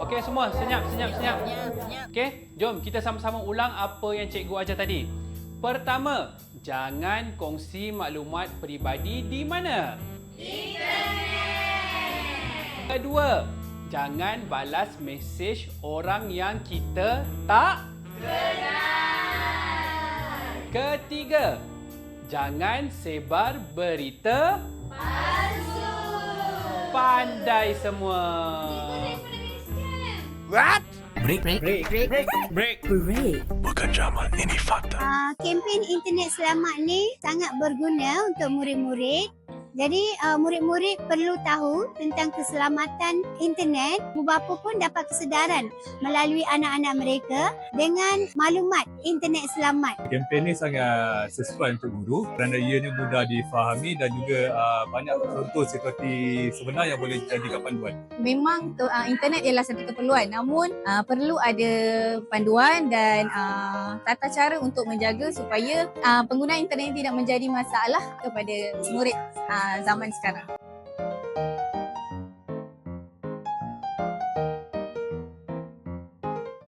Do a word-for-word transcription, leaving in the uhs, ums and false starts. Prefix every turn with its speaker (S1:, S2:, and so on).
S1: Okey semua, senyap, senyap, senyap. Okey, jom kita sama-sama ulang apa yang cikgu ajar tadi. Pertama, jangan kongsi maklumat peribadi di mana? Internet. Kedua, jangan balas mesej orang yang kita tak kenal. Ketiga, jangan sebar berita palsu. Pandai semua.
S2: What?
S3: Break, break, break, break, break, break, break.
S2: Bukan Jamal, ini fakta.
S4: Uh, kempen internet selamat ni sangat berguna untuk murid-murid. Jadi uh, murid-murid perlu tahu tentang keselamatan internet. Ibu bapa pun dapat kesedaran melalui anak-anak mereka dengan maklumat internet selamat.
S5: Kempen ni sangat sesuai untuk guru kerana ianya mudah difahami dan juga uh, banyak contoh seperti sebenar yang boleh dijadikan panduan.
S6: Memang uh, internet ialah satu keperluan, namun uh, perlu ada panduan dan uh, tata cara untuk menjaga supaya uh, penggunaan internet tidak menjadi masalah kepada murid uh, zaman sekarang.